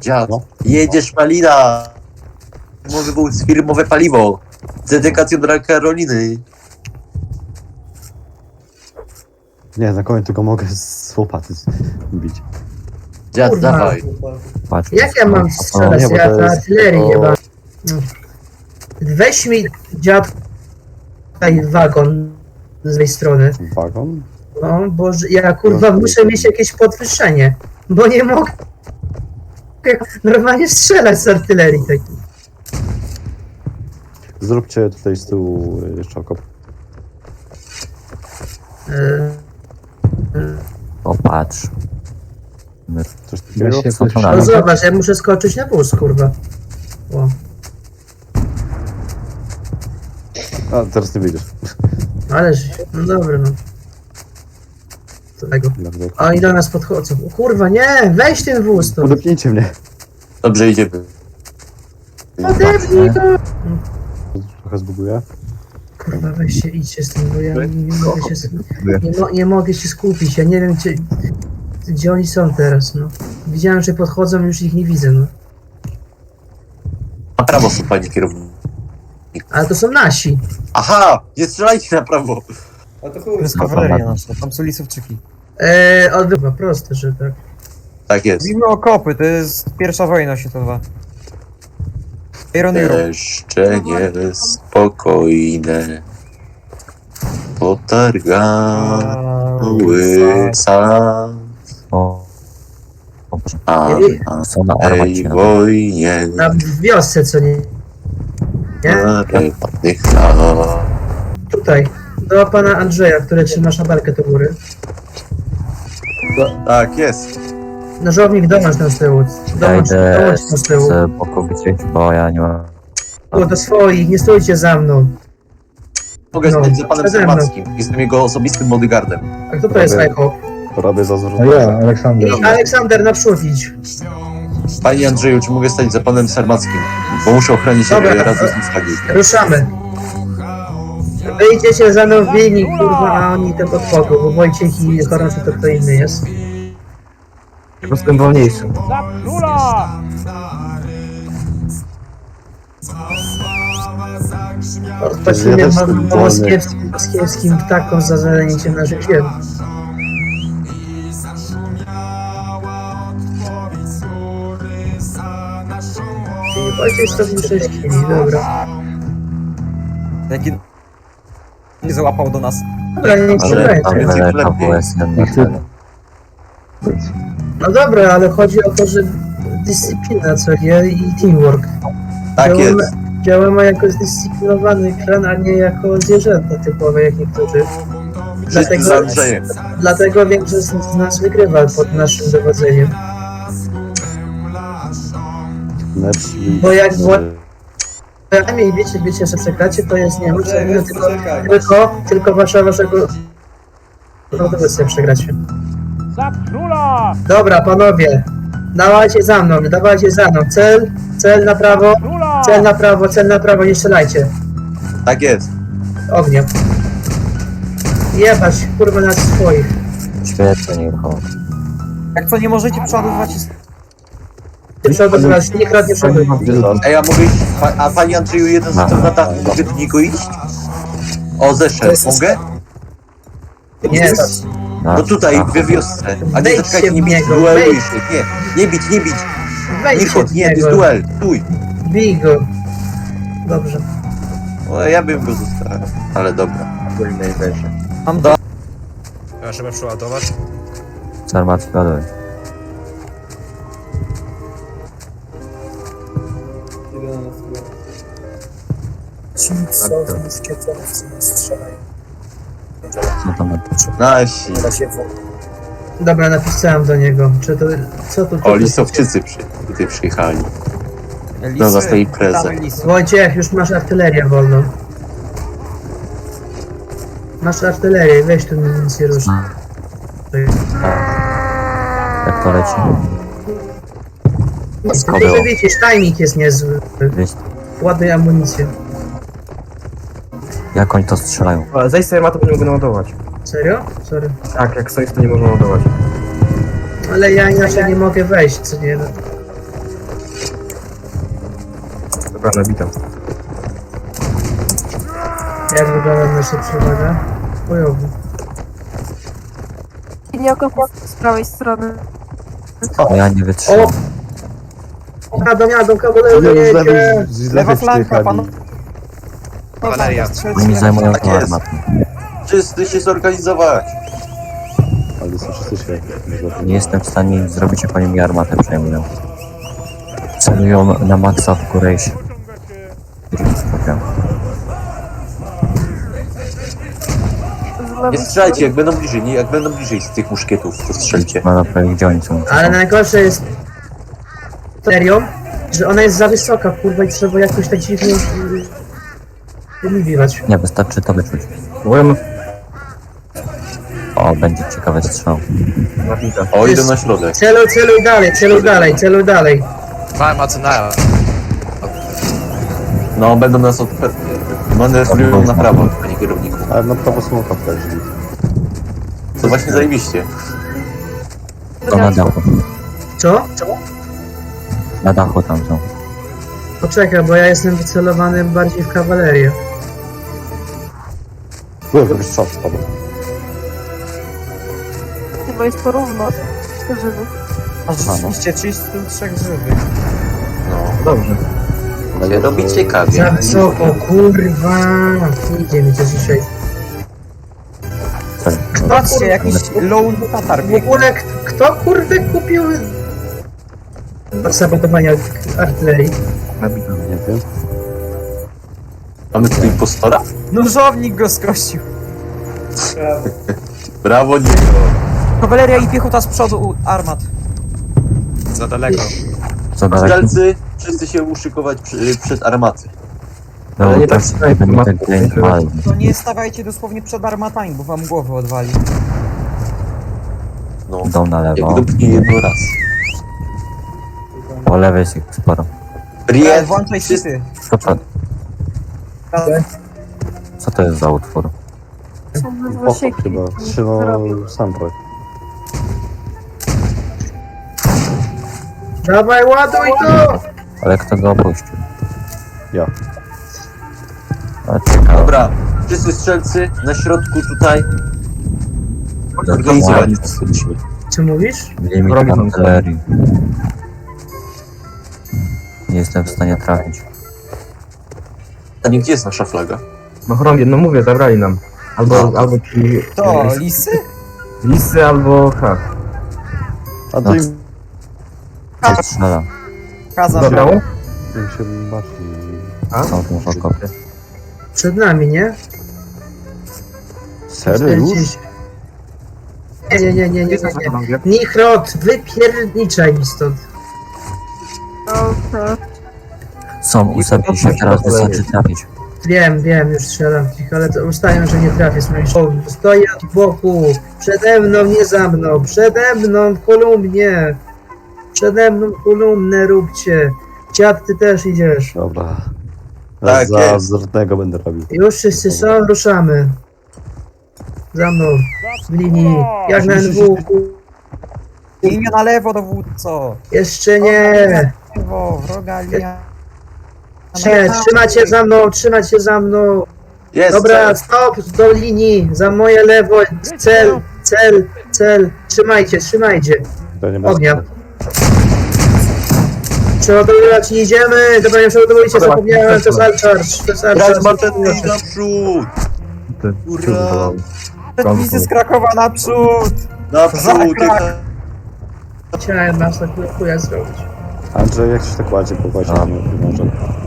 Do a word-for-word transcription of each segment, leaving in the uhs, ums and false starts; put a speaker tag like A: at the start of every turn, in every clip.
A: Dziad,
B: No.
A: jedziesz Malina! Może był firmowe paliwo. Z dedykacją dla Karoliny.
B: Nie, na koniec tylko mogę z łopaty bić.
A: Dziad,
C: Kurwa.
A: dawaj.
D: Patrz,
C: Jak ja mam strzelać?
B: nie, bo
C: Ja
B: to
C: to
B: jest
C: artylerii
B: tylko-
C: jeba. Weź mi dziad tutaj wagon z tej strony.
B: Wagon?
C: No, bo że- ja kurwa muszę mieć jakieś podwyższenie. Bo nie mogę normalnie strzelać z artylerii takiej.
B: Zróbcie tutaj z tyłu y, jeszcze okop.
C: Yy,
D: O, patrz.
B: Coś takiego?
E: się
D: Co to
C: No
D: na
C: zobacz, ja muszę skoczyć na wóz, kurwa. O.
B: A, teraz nie wyjdziesz.
C: Ależ, no dobra, no. Co tego?
B: Bardzo.
C: A oni do nas podchodzą. O, kurwa, nie! Weź ten wóz tu!
B: Udepnijcie mnie.
A: Dobrze, idziemy.
C: Odepnij go!
B: Trochę zbuguję.
C: Kurwa, weź się, idźcie z tym, bo ja nie, nie mogę się... sk- Nie, mo, nie mogę się skupić, ja nie wiem, gdzie... Gdzie oni są teraz, no. Widziałem, że podchodzą, już ich nie widzę, no.
A: Na prawo są panie kierownik.
C: Ale to są nasi.
A: Aha! Nie strzelajcie na prawo!
E: A to chuj,
D: jest
E: jest kawaleria nasza, tam są lisowczyki.
C: Eee, odbywa, proste, że tak.
A: Tak jest.
E: Mówimy okopy, to jest pierwsza wojna światowa. Iron Iron.
A: Jeszcze nie spokojne. Potargały sam.
D: O, o Boże.
A: A na
D: Są na
A: tej
D: armacie.
A: wojnie
C: Na w wiosce, co nie? Nie?
A: parę ładnych lat.
C: Tutaj. Do pana Andrzeja, który trzyma szabarkę do góry.
A: Tak, jest.
C: Nożownik, dołącz tam z tyłu.
D: Ja
C: Dołącz,
D: idę
C: dołącz tam z tyłu.
D: z boku widzieć, bo ja nie mam...
C: O, do swoich, nie stójcie za mną.
A: Mogę
C: No,
A: stać za panem
C: przede mną.
A: Sermackim. Jestem jego osobistym bodyguardem.
C: A kto to jest
B: Prawie-
C: Echo?
B: Robię za
E: A
B: zwrotę.
E: ja, Aleksander.
C: I Aleksander, naprzód idź.
A: Panie Andrzeju, czy mogę stać za panem Sermackim? Bo muszę ochronić
C: Dobra.
A: Dobra. razem z nim flagi.
C: Ruszamy. Wyjdziecie za mną w linii, kurwa, a oni to podchodzą, bo Wojciech i Chorąży to kto inny jest.
D: Po prostu jestem wolniejszy.
C: Odpoczniemy
B: Ja też jestem wolny.
C: moskiewskim, moskiewskim ptakom za zalenicie naszych ziem. I Wojciech sto sześć chwili, dobra.
E: Jaki... Nie załapał do nas.
C: Dobra, niech się
D: Ale tam
C: będzie.
A: będzie
D: daleka
A: lepiej.
D: W S jeden.
C: No dobra, ale chodzi o to, że dyscyplina, co nie? I teamwork.
A: Tak
C: Działamy-
A: jest.
C: Działamy jako zdyscyplinowany klan, a nie jako zwierzęta typowe, jak niektórzy.
A: Wszyscy z Andrzejem.
C: Dlatego większość z nas wygrywa pod naszym dowodzeniem.
B: Lepsi.
C: Bo jak Przynajmniej wiecie, wiecie, że przekracie, to jest nie możliwe, tylko, tylko, tylko wasza, waszego dowódcę przegracie. Dobra, panowie, dawajcie za mną, dawajcie za mną. Cel, cel na prawo, cel na prawo, cel na prawo, nie strzelajcie.
A: Tak jest.
C: Ognia. Jebać, kurwa, na swoich.
D: Świetnie, nie wychodzi.
E: Jak co, nie możecie przeładowywać...
C: Ty przodować, nie kradnie przodu.
A: Ej, a mogę iść? Pa, a panie Andrzeju, jeden z
D: No.
A: na dachu, mogę do niego iść? O, zeszedł. Mogę?
C: Nie,
A: No tutaj, we wiosce. A nie
C: Wejdźcie
A: zaczekajcie, nie
C: w
A: bić,
C: niego,
A: dueluj
C: wejdź.
A: się. Nie, nie bić, nie bić. Nie
C: wejdźcie
A: chodź,
C: w
A: nie, to jest
C: niego.
A: duel. Stój.
C: Bij go. Dobrze.
A: O, ja bym go zostawił, ale dobra.
E: Mam do...
F: Ja trzeba przeładować.
D: Z armacji ładuj. Co tam?
A: Nasi.
C: Dobra, napisałem do niego. Czy to, co tu?
A: O, lisowczycy przy, tutaj przyjechali.
E: Lisy,
A: No, za tej imprezy.
E: damy lisy.
C: Wojciech, już masz artylerię wolną. Masz artylerię, weź tu nic nie rusz.
D: Jak to leci?
C: Tylko, że widzisz, timing jest niezły.
D: Wiesz,
C: Ładuj amunicję.
D: jak oni to strzelają?
G: Zejść sobie ma to, nie mogę naładować.
C: Serio? Sorry.
G: Tak, jak stoisz, to nie można ładować.
C: Ale ja inaczej nie mogę wejść, co nie?
G: Dobra, nabita.
C: Jak wygląda nasza przewaga? Bojowo.
H: Linia z prawej strony.
D: A ja nie wytrzymam.
C: Jadą, jadą, kawalerzy,
B: Nie, z lewej,
C: jedzie!
B: z
E: Lewa
B: lewej
E: flanka,
B: przyjechali.
E: pan.
F: Kawaleria.
D: Oni mi zajmują
A: Tak
D: to
A: jest.
D: armatę.
A: Wszyscy się zorganizować.
B: Ale są wszyscy świetni.
D: Nie jestem w stanie zrobić, jak oni mi armatę przejmują. Celują na maksa w górę i się... skupiam.
H: Z
A: Nie
H: lewej
A: strzelajcie, jak będą bliżej, nie, jak będą bliżej z tych muszkietów, to strzelcie.
D: Ma na prawie gdzie oni są.
C: Ale najgorsze jest serią, że ona jest za wysoka, kurwa, i trzeba jakoś tak dziwnie wymiwiwać.
D: Nie, wystarczy to wyczuć.
G: Byłem
D: O, będzie ciekawy strzał.
G: nabita.
A: O, idę na środek.
C: Celuj, celuj dalej, celuj dalej, celuj dalej.
F: Farmacynaja.
A: No, będą nas od... manewrują na prawo, panie kierowniku.
B: Ale na prawo są kaplerzy.
A: To właśnie zajebiście.
D: To na dachu.
C: Co? Co?
D: Na dachu tam są.
C: Poczekaj, bo ja jestem wycelowany bardziej w kawalerię.
B: Byłem dobry strzał spadł.
H: chyba jest porówno. Żywych.
E: A rzeczywiście trzydzieści trzy żywych.
A: No.
G: Dobrze.
A: Się robi ciekawie.
C: Za wysoko, kurwa! Nie idzie mi to dzisiaj.
D: Co?
E: Patrzcie, jakiś low tatar
C: W
E: biegnie.
C: ogóle k- kto kurde kupił sabotowania artylerii?
G: Nabita.
B: Nie wiem.
A: Mamy tu impostora?
E: Nóżownik go skosił.
A: Brawo, Niko.
E: Kawaleria i piechota z przodu u armat.
F: Za daleko.
D: Co dalej?
A: Strzelcy, wszyscy się uszykować przy, przed armaty.
D: No,
G: Ale nie tak
D: to
G: tutaj,
D: żeby mi
G: ma-
D: ten grain wali.
E: To nie stawajcie dosłownie przed armatami, bo wam głowę odwali.
A: No,
D: Idą na
A: jak
D: lewo.
A: dopnie jedno raz.
D: Po lewej jest ich sporo.
E: Ej,
A: Riet,
E: włączaj
A: wszyscy...
E: syty.
D: Co to, co to jest za utwór?
H: Są bez
B: Oko
H: zasieki.
B: chyba.
H: nic nie
B: Trzymał
H: robią.
B: soundtrack.
C: Dawaj, ładuj to!
D: Ale kto go opuścił?
B: Ja.
D: A ciekawe.
A: Dobra, wszyscy strzelcy na środku tutaj.
D: No,
A: Organizować.
C: Co mówisz?
D: Limit
G: Robię tam
D: artylerii. Nie jestem w stanie trafić.
A: A nie, gdzie jest nasza flaga?
G: No chrombie, no mówię, zabrali nam. Albo,
A: No.
G: albo ci...
E: To, lisy?
G: Lisy, albo ha.
B: A to
D: No.
B: im,
D: Gdzie strzela?
E: Kaza.
G: Zabrało?
B: im się bardziej...
G: A?
D: Są tu okopy.
C: Przed nami, nie?
B: Serio już?
C: czterdzieści. Nie, nie, nie, nie, nie, nie, nie. Nichrot, wypierniczaj mi stąd.
H: Okej.
D: Są, ustawili się, teraz wystarczy trafić.
C: Wiem, wiem, już strzelam w nich, ale to ustają, że nie trafię. Słuchaj, stoję z boku, przede mną, nie za mną, przede mną w kolumnie. Przede mną kolumnę róbcie. Dziad, ty też idziesz.
B: Dobra.
A: Tak
B: Za
A: jest.
B: zrtnego będę robił.
C: Już wszyscy są, ruszamy. Za mną, w linii, jak na N W.
E: Linia na lewo, dowódco.
C: Jeszcze nie.
E: Lewo, wroga linia.
C: Nie, trzymać się za mną, trzymać się za mną.
A: Jest!
C: Dobra,
A: cel.
C: stop, do linii, za moje lewo, cel, cel, cel. Trzymajcie, trzymajcie.
B: To nie ma...
C: Ognia. Przeładowywać nie idziemy. Dobra, nie przeładowujcie, zapomniałem, to jest Alcharge, to jest
A: Grać
C: Alcharge.
A: maczety naprzód!
G: Te
A: Ura!
G: przygotowały.
E: Lisy z Krakowa naprzód.
A: Naprzód!
E: Zakrak.
C: Chciałem nas tak chuja zrobić.
B: Andrzej, jak się tak ładnie popaść,
D: A.
B: nie może.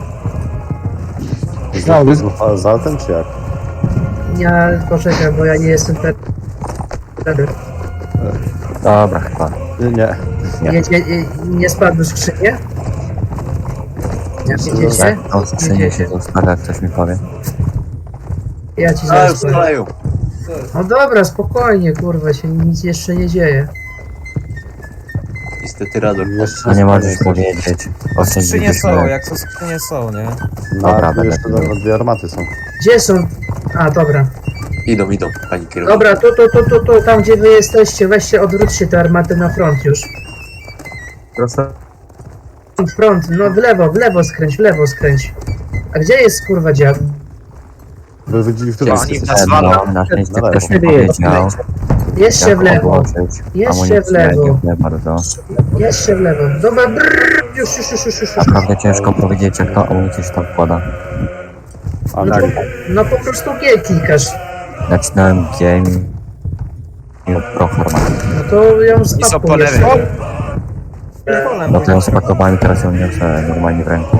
G: No,
B: Z z autem, czy jak?
C: Nie, poczekaj, bo ja nie jestem ten. ten-
D: Dobra, chyba.
B: Nie, nie.
C: Nie, nie, nie, nie spadł z skrzynie? Jak widzicie?
D: Jak to skrzynie się zostawia, jak ktoś mi powie.
C: Ja ci
A: A,
C: zaraz
A: już
C: powiem.
A: strzelają.
C: No dobra, spokojnie, kurwa, się nic jeszcze nie dzieje.
A: Niestety radar.
B: Jeszcze
D: A nie możesz
B: jesteś.
D: powiedzieć. O czym
E: Skrzynie
D: widzisz,
E: są,
D: nie?
E: jak to skrzynie są, nie?
B: No,
D: Dobra,
B: tu
D: będę.
B: jeszcze nawet dwie armaty są.
C: Gdzie są? A, dobra.
A: Idą, idą, pani kierownik.
C: Dobra, tu, tu, tu, tu, tu, tam gdzie wy jesteście, weźcie, odwróćcie te armaty na front już.
G: Prosto.
C: Front, no w lewo, w lewo skręć, w lewo skręć. A gdzie jest kurwa dziad?
B: Wy widzieli, w którym
F: Oni
B: jesteście?
F: nas walą.
D: No, na szczęście
B: Na
D: ktoś mi
G: lewo.
D: powiedział,
C: Jeszcze
D: jak
C: w lewo,
D: odłożyć
C: jeszcze w
D: amunicję,
C: lewo,
D: dziękuję bardzo.
C: jeszcze w lewo. Dobra, brrr, już, już, już, już, już. już.
D: Naprawdę ciężko powiedzieć, jak to amunicję się tam wkłada.
B: A
C: No,
B: na
C: to, no po prostu G klikasz.
D: Nacisnąłem G i i pro harmat.
C: No to ją
F: I są po
C: spakujesz.
F: lewej.
D: No to ją spakowałem i teraz ją niosę normalnie w ręku.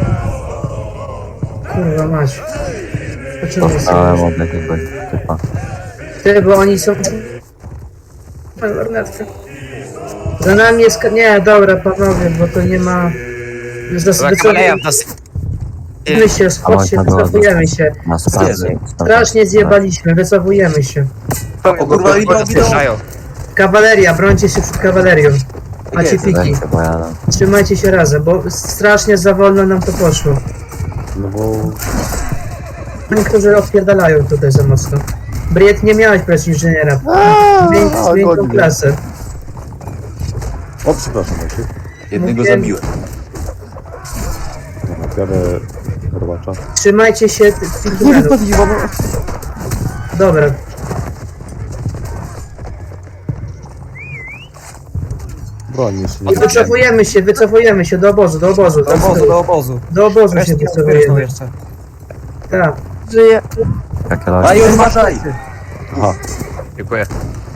C: Kurwa mać. O czym jest?
D: Dostałem od jakiegoś typa.
C: Ty, bo oni są... Oj, lornetka. Za nami jest... ka- Nie, dobra, panowie, bo to nie ma...
F: Za kawaleria w nas...
C: Wycofujemy się, schodźcie,
D: A, można było
C: wycofujemy się.
D: Na spadzie.
C: Strasznie zjebaliśmy, wycofujemy się.
A: O kurwa, idą, idą.
F: Zjeżdżają.
C: Kawaleria, brońcie się przed kawalerią. Macie
A: Jest,
C: piki.
D: Ręce, bo ja...
C: Trzymajcie się razem, bo strasznie za wolno nam to poszło.
B: No bo...
C: Niektórzy odpierdalają tutaj za mocno. Briet, nie miałeś presji inżyniera. Zmień,
B: a,
C: zmień tą
B: godnie.
C: klasę.
B: O, przepraszam, Maciek.
A: Jednego
C: Mówiłem-
A: zabiłem.
B: Dobra, biorę robacza.
C: Trzymajcie się tych tych numerów. Dobra.
B: Broń jeszcze
C: I
B: nie.
C: wycofujemy się, wycofujemy się do obozu, do obozu.
E: Do obozu, do obozu.
C: Do obozu się
E: Resztę nie
C: wycofujemy.
E: jeszcze.
C: Tak.
H: Żyje.
D: Jakie
A: A
D: logi?
A: już uważaj!
B: Aha,
F: Dziękuję.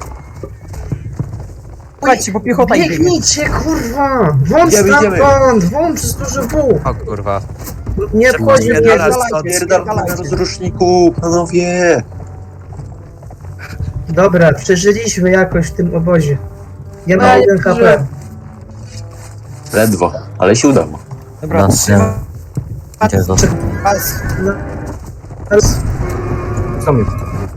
E: Słuchajcie, bo piechota idzie.
C: Biegnijcie, kurwa! Włącz
A: Idziemy, idziemy.
C: stamtąd! Włącz z duży W!
F: O kurwa.
C: Nie wchodzi mnie.
F: Spierdalać
A: Pierdal na rozruszniku, panowie!
C: Dobra, przeżyliśmy jakoś w tym obozie. Ja mam
H: No,
C: jeden
H: że-
C: H P.
A: Ledwo, ale się udało.
E: Dobra,
D: Na tym... Gdzie został?
E: Pas.
C: Teraz
G: Co mi?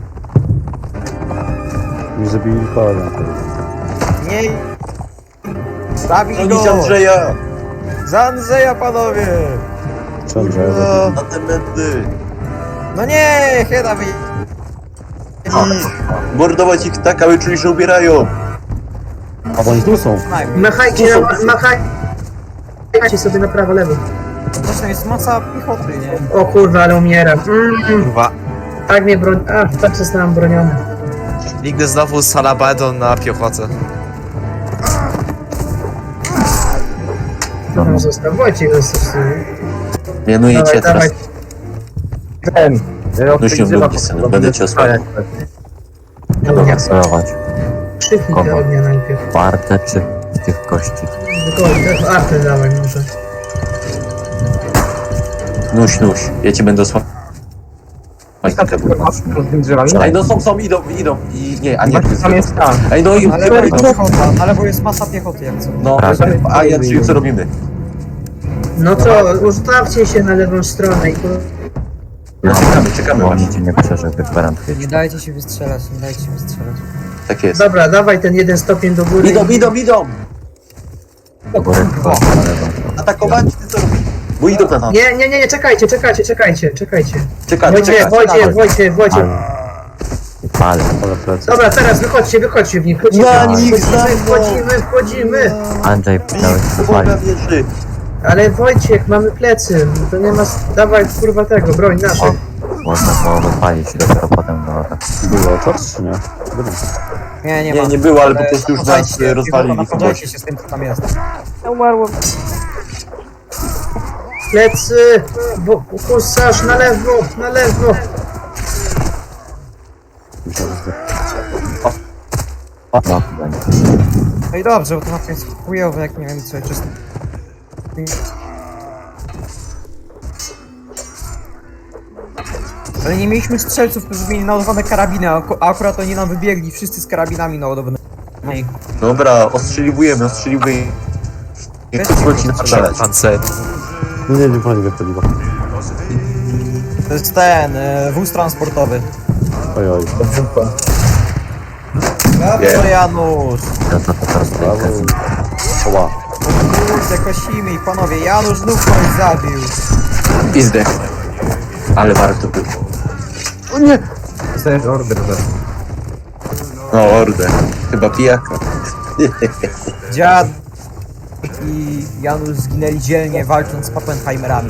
B: już zabili pana.
E: Nie. Zabij
A: Bronić
E: go!
A: Andrzeja!
E: Za Andrzeja, panowie!
B: Czemu, że ja
A: Kurwa,
B: zabiłem?
A: na te medy!
E: No nie, Heda wy...
A: Mordować ich tak, aby czuli, że ubierają!
B: A oni tu są.
C: machajcie, machajcie sobie na prawo, lewo.
E: Zresztą jest masa piechoty, nie?
C: O kurwa, ale umieram. Mm,
F: Kurwa.
C: tak mnie broń... A, tak zostałem broniony.
F: Nigdy znowu z halabardą na piechotę.
C: Kto tam został? Wojciech został.
A: Mianujecie
C: Dawaj, dawaj.
A: teraz.
G: Ten. Ja
A: No się lubię, synu, będę cię osłaniał.
C: Ognia.
D: Sterować.
C: Krzyknij
D: Kogo?
C: do ognia najpierw.
D: Warte czy tych kości?
C: Tylko artę dawaj może.
A: Nuś, nuś, ja cię będę osłaniał. Oj, tak, kurwa.
G: Z tymi drzewami?
A: Ej, no są, są, idą, idą. I nie, a nie, tu jest
G: Tam jest ta.
A: Ej, no i...
E: Na lewo jest piechota, na lewo jest masa piechoty, jak co.
A: No,
D: Prawie.
A: a ja czyli co robimy?
C: No co, ustawcie się na lewą stronę i...
A: No, czekamy, czekamy
D: Bo
A: właśnie.
D: oni cię nie przeżył, gwarantuję ci.
E: Nie dajcie się wystrzelać, nie dajcie się wystrzelać.
A: Tak jest.
C: Dobra, dawaj ten jeden stopień do góry.
A: Idą, idą, idą!
D: Do góry, dwa, na lewo.
A: Atakować, ty co robisz? Bo idą na nas.
C: Nie, nie, nie, nie, czekajcie, czekajcie, czekajcie, czekajcie.
A: Czekamy,
C: Wojciech,
A: czekamy.
C: Wojciech, Wojciech, Wojciech.
D: Ale...
B: Ale plecy.
C: Dobra, teraz wychodźcie, wychodźcie w nich, wchodzimy,
A: Na
C: wchodzimy,
A: nich za mną.
C: wchodzimy, wchodzimy.
D: Andrzej, dałeś się
A: Boga
D: zapalić.
A: wierzy.
C: Ale Wojciech, mamy plecy, to nie ma... s- Dawaj, kurwa tego, broń naszych.
D: Można było rozpalić i dopiero potem do ataku.
B: Było czas, czy nie? Dobra.
E: Nie, nie,
A: Nie,
E: ma.
A: nie było, ale po
E: E,
A: prostu już nas
E: napadajcie,
A: e, rozwalili w
E: napadajcie
A: obozie.
E: się z tym, co tam jest.
H: Ja umarłam.
C: Plecy, bo husarz na lewo, na lewo.
B: Myślałem, że
D: No, będzie.
E: No i dobrze, bo to na tym jest chujowe, jak nie wiem co, czysto. Ale nie mieliśmy strzelców, którzy mieli naładowane karabiny, a aku- a akurat oni nam wybiegli, wszyscy z karabinami naładowanymi.
A: Dobra, ostrzeliwujemy, ostrzeliwujemy. Niech
E: Weźcie
A: wróci na
E: go
A: strzelać.
F: Pancer.
B: Nie, nie, nie, pani wypaliła.
E: To jest ten, e, wóz transportowy.
B: Oj, oj.
E: Brawo, Janusz!
D: To to to teraz
B: Brawo.
D: tylko
B: Oła.
E: Kurde, kosimy ich, panowie. Janusz znów kogoś zabił.
A: I zdech. Ale warto było.
B: O nie!
G: Dostajesz order, że...
A: No, ordę. Chyba pijaka.
E: Dziad. i Janusz zginęli dzielnie walcząc z Pappenheimerami.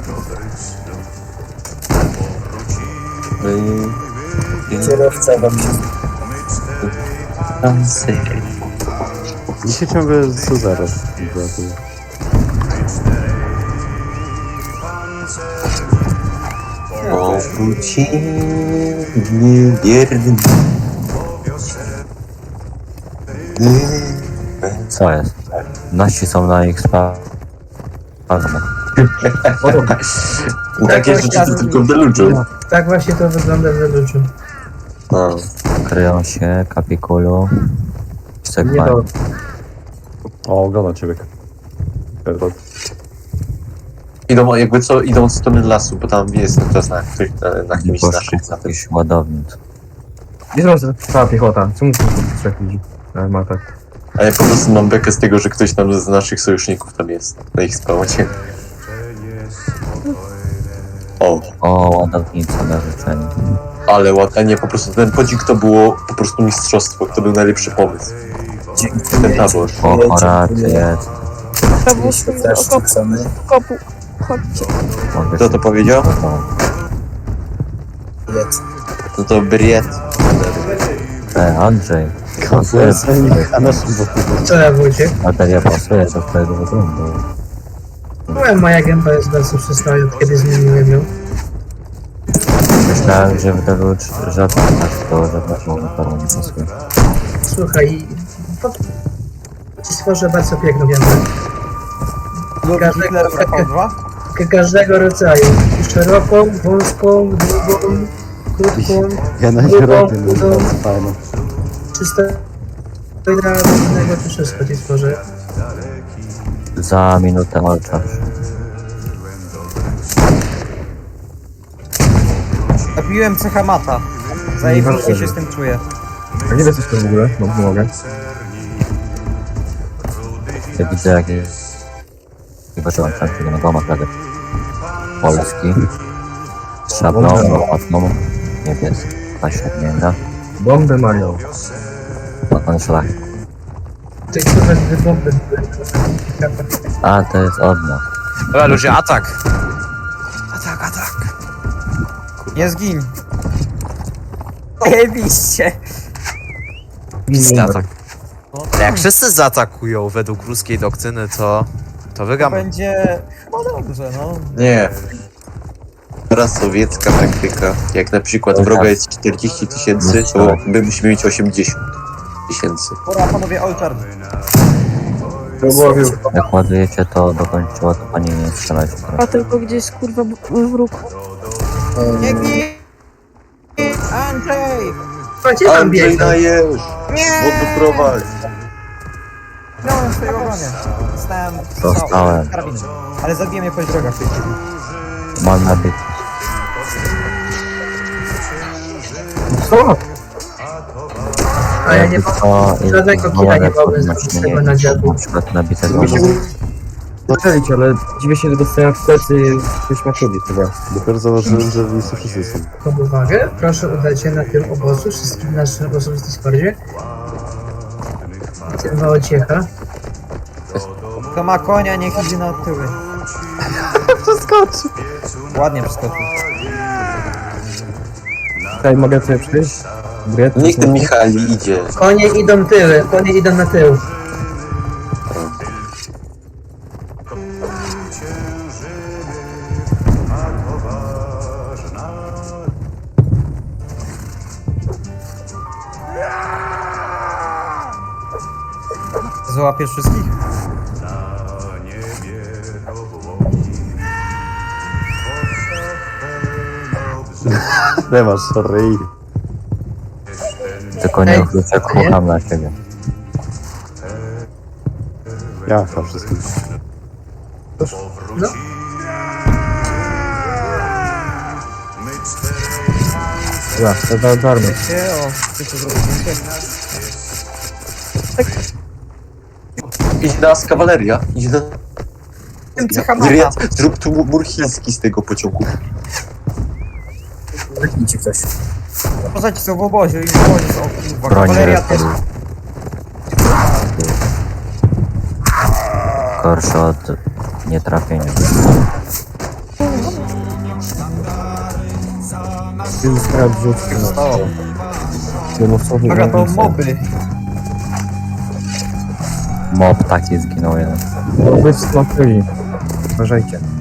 A: Kierowca wam się...
B: Mi się ciągle z zero brakuje.
A: Powróci niewierny.
D: Co jest? Nasi są na ich sprawach.
A: Takie
C: Tak,
A: rzeczy
C: tak.
A: to tylko w Deluczu.
C: Tak właśnie to wygląda w Deluczu.
A: No.
D: Kryją się, kapikulu.
G: Nie
D: Sekwan.
G: do...
B: O, oglądam ciebie. Perrot.
A: Idą jakby co, idą w stronę lasu, bo tam jest czas na, na, na kimś z naszych
D: Poszło
A: zatem.
D: jakiś ładownic.
G: Gdzie są cała piechota? Co musi być trzech ludzi? Ale ma tak.
A: A ja po prostu mam bekę z tego, że ktoś tam z naszych sojuszników tam jest, na ich spawnie. O,
D: O, ładownica na życzenie.
A: ale ładnie, nie, po prostu ten podzik to było po prostu mistrzostwo, to był najlepszy pomysł. Ten tabor.
D: O, oraty jest.
H: Prawus z okopu. okopu. Chodźcie.
D: Mogę
A: Kto to powiedział? No to Briet.
D: E, Andrzej.
B: Pasuje na naszym boku.
C: Co ja Wojciech?
D: Bateria pasuje do twojego wyglądu.
C: Byłem, moja gęba jest bardzo przystała, od kiedy zmieniłem ją.
D: Myślałem, że w tego żadna tak to żadna na parę nie pasuje.
C: Słuchaj, po... ci stworzę bardzo piękną gębę.
E: Lud
C: Każdego-
E: Hitler V dwa?
C: Ka- Każdego rodzaju. Szeroką, wąską, długą, krótką,
B: Ja na nie
C: Drugą,
B: robię, no
C: drugą.
B: bardzo fajne.
C: przystojnego tu wszystko ci stworzę.
D: Za minutę olczasz.
E: Zabiłem cecha mata. Zajebiście się z tym czuję.
G: A gdzie jesteś to w ogóle? No, nie mogę.
D: Ja widzę jak wyważyłem tam tego na domach radę. Polski. Z szablą, łatną. Niebieska. Paśrednięta.
G: Bombę mają.
D: No ten szlak.
C: Ty kurwa dwie bomby były.
D: A, to jest od nas.
F: Dobra ludzie, atak! Atak, atak!
E: Nie zgin. Zajebiście.
F: Pizdy atak. Ale jak wszyscy zaatakują według ruskiej doktryny, to... To
E: To
F: wygramy.
E: będzie chyba dobrze, no.
A: Nie. Teraz sowiecka taktyka. Jak na przykład wroga jest czterdzieści tysięcy, to my musimy mieć osiemdziesiąt tysięcy.
E: Pora panowie olczar.
G: Próbował.
D: Jak ładujecie to dokończyło, to pani nie strzelać
H: A
D: teraz.
H: tylko gdzieś kurwa b- wróg.
E: Nie gin! Andrzej!
C: A gdzie tam
A: Andrzej
C: biegną?
A: dajesz! Wodoprowadź!
E: Miałem swojego bronię. Dostałem
D: Dostałem.
E: karabinem. Ale zabiję mnie po drogach w tej chwili.
D: Mam nabity.
G: Co?
C: A ja nie
D: Jakby
C: mogę.
D: co,
C: żadnego
D: jest
C: killa nie
D: wołane
C: mogłem zrobić
D: podnoszenie
C: tego na dziadu.
D: Na przykład nabitego.
G: Zaczęlić, ale dziwię się, że dostają wstety coś ma człowiek chyba.
B: Dopiero zauważyłem, że w miejscu wszyscy są.
C: Pod uwagę, proszę udać się na tym obozu, wszystkim naszym obozu w Discordzie. Tym mała ciecha.
E: Kto ma konia, niech idzie na tyły.
B: Przeskoczy!
E: Ładnie przeskoczył.
G: Tutaj mogę sobie przyjść? Briet?
A: Niech ten Michali idzie.
C: Konie idą tyły, konie idą na tył.
E: Załapiesz wszystkich?
B: Nie masz, sorry.
D: Tylko nie
C: Ej,
D: wrócę,
C: nie?
D: kocham na ciebie.
B: Ja chyba wszystkim.
C: No.
G: Dobra, to za darmo.
E: Wiecie, o, chcecie zrobić zdjęcie?
A: Idź nas kawaleria. Idź na...
E: Tym cecha mata.
A: Briet, zrób tu mur chiński z tego pociągu.
E: Poza są w obozie i w obozie są, kurwa,
D: Broń
E: kawaleria też.
D: ręką. Gorsze od nietrafienia.
G: Zyskałem wrzutkę.
E: Stało.
G: Wylosowy
E: Dobra, to moby.
D: Mob taki zginął jeden.
G: Moby wskakali. Uważajcie.